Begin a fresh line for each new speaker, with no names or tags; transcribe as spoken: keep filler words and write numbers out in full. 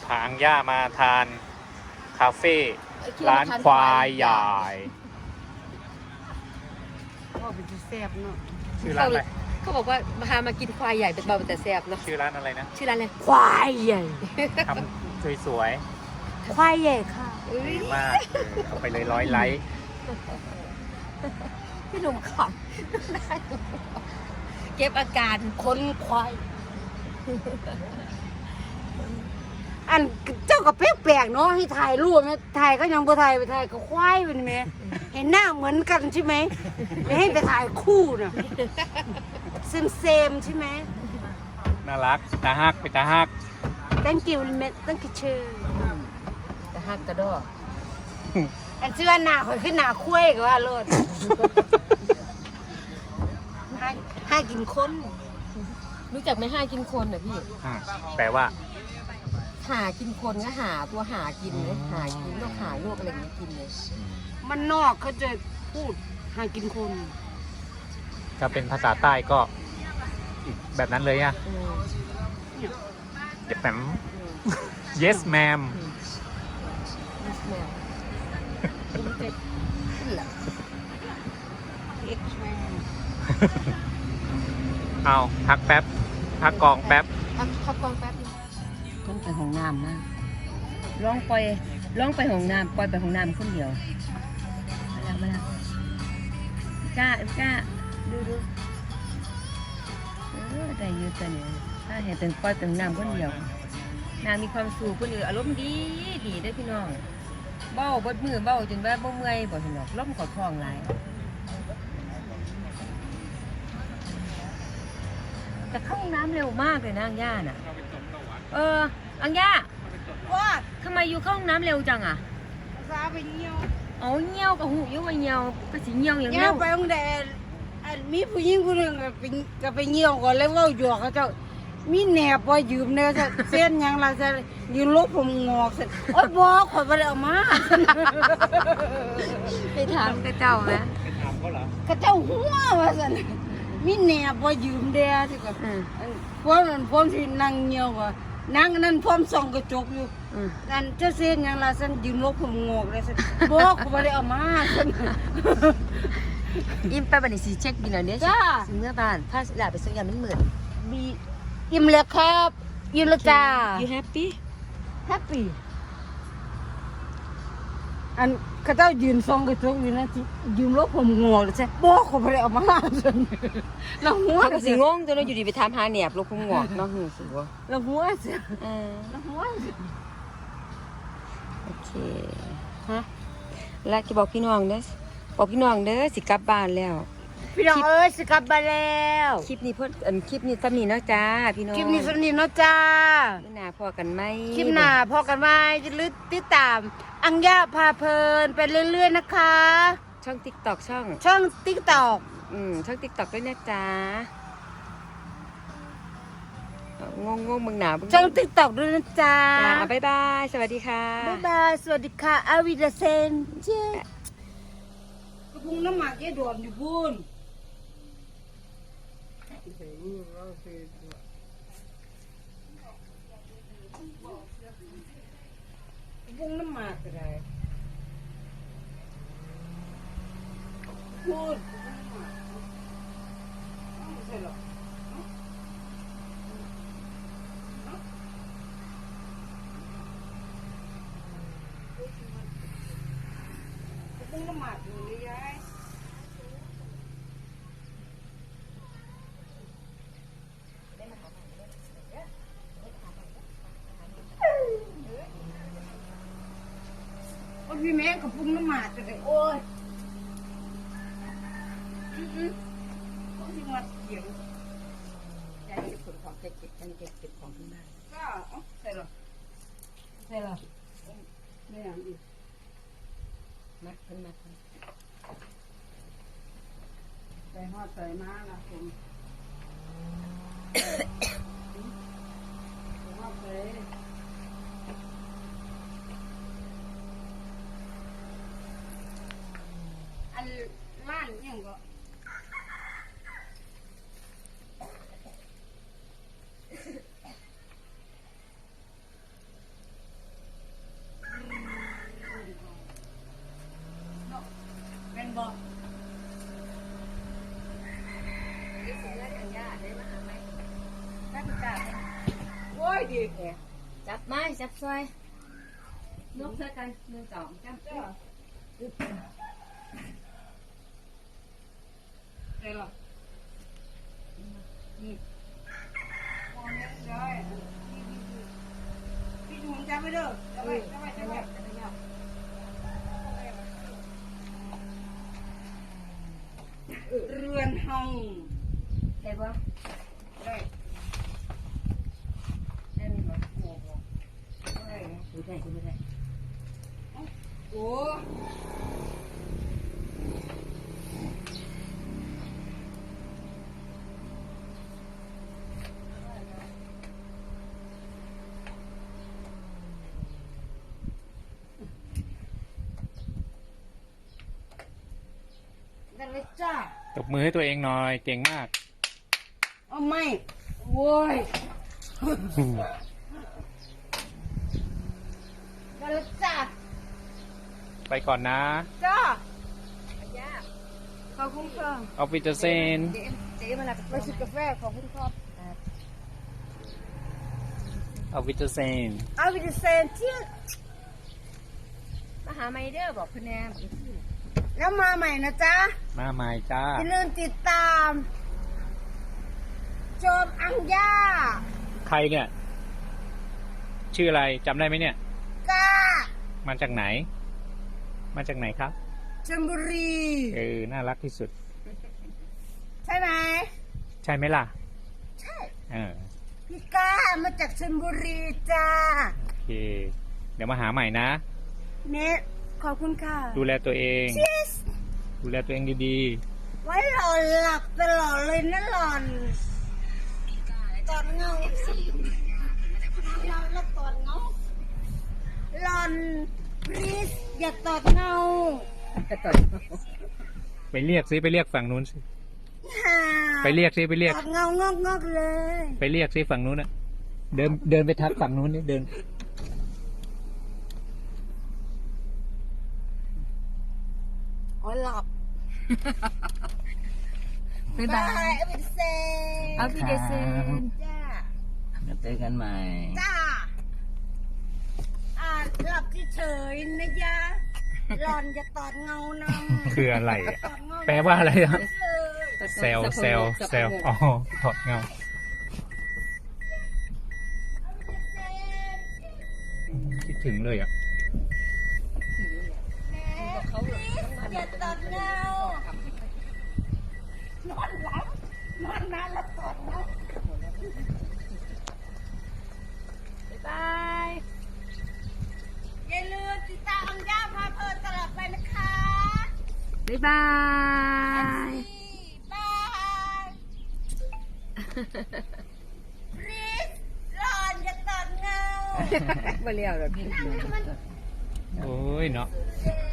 พาอังย่ามาทานคาเฟ่ร้านควายใหญ่
พ่อเป็นแซ่บเนาะ
ชื่อร้านอะไร
เขาบอกว่าพามากินควายใหญ่เป็นเบาแต่แซ่บเนาะ
ชื่อร้านอะไรนะ
ชื่อร้านอะไร
ควายใหญ่
ทำสวย
ๆควายใหญ่ค่ะ
ดีมากเอาไปเลยร้อยไลค์
พี่หนุ่มขำเก็บอาการ
คนควายอันเจ้าก็แปลกๆเนาะให้ถ่ายรูปไหมถ่ายก็ยังบ่ถ่ายไปถ่ายก็ควายเป็นไหมเห็นหน้าเหมือนกันใช่ไหมไม่ให้ไปถ่ายคู่น่ะเซมเซมใช่ไหม
น่ารักตาฮักไปตาฮัก
thank you เม็ด thank you ชื่อ
แต่ฮักกระดอ
อันชื่อว่าหน้าข่อยขึ้นหน้าคุ้ยก็ว่าโลดให้ให้กินคน
รู้จักไหมห้ากินคนเหรอพี่
แปลว่า
หากินคนก็หาตัวหากินเลยหากินโรคหาโรคอะไรอย่างนี้กินเลย
มันนอกเขาจะพูดหากินคน
ถ้าเป็นภาษาใต้ก็อีกแบบนั้นเลยอะเดี๋ยวแปม yes ma'am เอาพักแป๊บพักกองแป๊บ
พักพักกองแป๊บต้องไปห้องน้ำนะร้องไปร้องไปห้องน้ำปล่อยไปห้องน้ำคนเดียวมาแล้วมาแล้วกล้ากล้าดูดูเออได้ยืดตัวเนี่ยถ้าเห็นเป็นปล่อยไปห้องน้ำคนเดียวนางมีความสุขคนอื่นอารมณ์ดีดีได้พี่น้องเบ้าบดมือเบ้าจนว่าบ่เมื่อยบ่ถึงหรอกล้มขอคล้องหลายแต่เข้าห้องน้ำเร็วมากเลยนะอังย่าน่ะเอออังย่า
ว่า
ทำไมอยู่เข้าห้องน้ำเร็วจังอ่ะ
ซาไปเงี้ยว
เอาเงี้ยวกับหูยุ่งไปเงี้ยวก็สิเงี้ยวอย่าง
เงี้
เร็
ยวไปองแดดมีผู้หญิงคนหนึ่งก็ไปก็ไปเงี้ยวก่อนแล้วว่าหยอกเขาเจ้ามีแหนบว่ายืมเนี่ยเส้นยังเราจะยืนลบผมงอกเสร็จโอ๊ยบอกขอไปเอามา
ไปถามกระเจ้าไหม
ไปถามเขาเหร
อกระเจ้าหัวว่าสันมีแหนบว่ายืมเดียที่ก็พวกนั้นพวกที่นั่งเงี้ยวว่านั่งนั่นพร้อมส่องกระจกอยู่นั่นเจ้าเส้นยังเราสันยืนลบผมงอกเลยสันบอกขอไปเอามาสัน
อิ่มไปบันนี้สีเช็คบินเอาเนี้ยจ้าเมื่อบ้านถ้าหลาไปซื้อยามันเหมือน
มีอิ่มแล้วครับอิ่มแล้วจ้า
you happy
happy อันเขาเจ้ายืนซองกระจกอยู่นะที่ยืมรถผมงอเลยใช่บอกเขาไปเอามาจนเราหัว
ก็สิงงตัวเราอยู่ดีไปทำหาแหนบลูกพุ่งงอกเนาะหูสิวะ
เราหัวเสีย
เออ
เราหัว
โอเคฮะแล้วจะบอกพี่น้องเด้อบอกพี่น้องเด้อสิกลับบ้านแล้ว
พี่น้องเอ้ยสิกลับบ้านแล้ว
คลิปนี้เพิ่นอันคลิปนี้ซ้ำนี้เนาะจ้าพี่น้อง
คลิปนี้ซ้ำนี้เนาะจ้า
คลิปหน้าพอกันไหม
คลิปหน้าพอกันไหมจะลึกติดตามอังย่าพาเพลินไปเรื่อยๆนะคะ
ช่อง TikTok ช่อง
ช่อง TikTok
อืมช่อง TikTok ด้วยนะจ๊ะงงงงมึงหนา
ช่อง TikTok ด้วยนะจ๊ะ
จ้าบ๊ายบายสวัสดีค่ะ
บ๊ายบายสวัสดีค่ะอาวิดาเซนเจ๊กระพุ้งน้ำหมากแกโดนอยู่บุญพุงน้ำหมากอะไรพูดไม่ใช่หรอกพุงน้ำหมากอยู่เลยยายพี่แม่กับพุงน้ำหมากจะได้โอ้ยอืออือเขาที่มาเขียงยายจะขนของเก็บเก็บกันเก็บเก็บของที่บ้านก็ใส่หรอใส่หรอไม่อย่างอีก
มัดขึ้นมา
ใส่หอดใส่ม้าละผมหอดใส่อันล้านยังก็
จับจับ
โอ้ยดีแท้
จับไม้จับซอยยกเท่ากันหนึ่งสองจับ
จ้าได้หรอนี่พอแล้วได้พี่ถุงจับไปเด้อจับไปจับไปจับไปเรือนห้อง
ได้ปะ
ได้
ได้ไหมปะ
โอ้โหได้
ดูได้ดูได้
โอ้ได้เลยจ้า
ตบมือให้ตัวเองหน่อยเก่งมาก
เอาไม่โว้ยได้เลยจ้า
ไปก่อนนะ
จ้า
ย่า
ขอบคุณค่ะ
เอาวิตาเซน
เจ๊เจ๊มาลับ
ไปชิมกาแฟขอบคุณครับ
เอาวิตาเซน
เอาวิตาเซนที่
มาหาไมเดอร์บอกคุณแนม
แล้วมาใหม่นะจ๊ะ
มาใหม่จ้า
อย่าลืมติดตาม โจมอังย่า
ใครเนี่ย ชื่ออะไรจำได้ไหมเนี่ย
ก้า
มาจากไหน มาจากไหนครับ
ชลบุรี
เออ น่ารักที่สุด
ใช่ไหม
ใช่ไหมล่ะ
ใช่
เออ
พี่ก้ามาจากชลบุรีจ้า
โอเค เดี๋ยวมาหาใหม่นะ
เน็ตขอบคุณค่ะ
ดูแลตัวเอง
ชีส
ดูแลตัวเองดี
ไว้หล่อนหลับตลอดเลยนะหล่อนตอนเงาเราแล้วตอนเงาหล่อนพลีสอย่าตอดเงา
ต่อ
ๆ ไปเรียกซิไปเรียกฝั่งนู้นสิ
ฮ่า
ไปเรียกซิไปเรียก
ตอดเงางอกงอกๆเลย
ไปเรียกซิฝั่งนู้นอะเดินเดินไปทักฝั่งนู้นนี่เดิน
อ๋อหลับ
บ๊ายบาย
เอาไปเซน
เอาพี่เดซน
จ้า
แล้วเจอกันใหม่
จ้าอ่าหลับเฉยๆนะยะหล่อนจะตอดเงานำ
คืออะไรอะ
ตอดเงา
แปลว่าอะไรอะ
เลย
เซลเซลเซลอ๋อถอดเงา คิดถึงเลยอ่ะ
อย่าตอดเงานอนหลับนอนนานแล้วตอดเงา
บ๊ายบาย
อย่าลืมติดตามอังย่าพาเพลินตลอดไปนะคะ
บ๊ายบาย
บายพลีสหล่อนอย่าตอดเงา
มาเรียวแบบนี้
โอ้ยเนาะ
เย้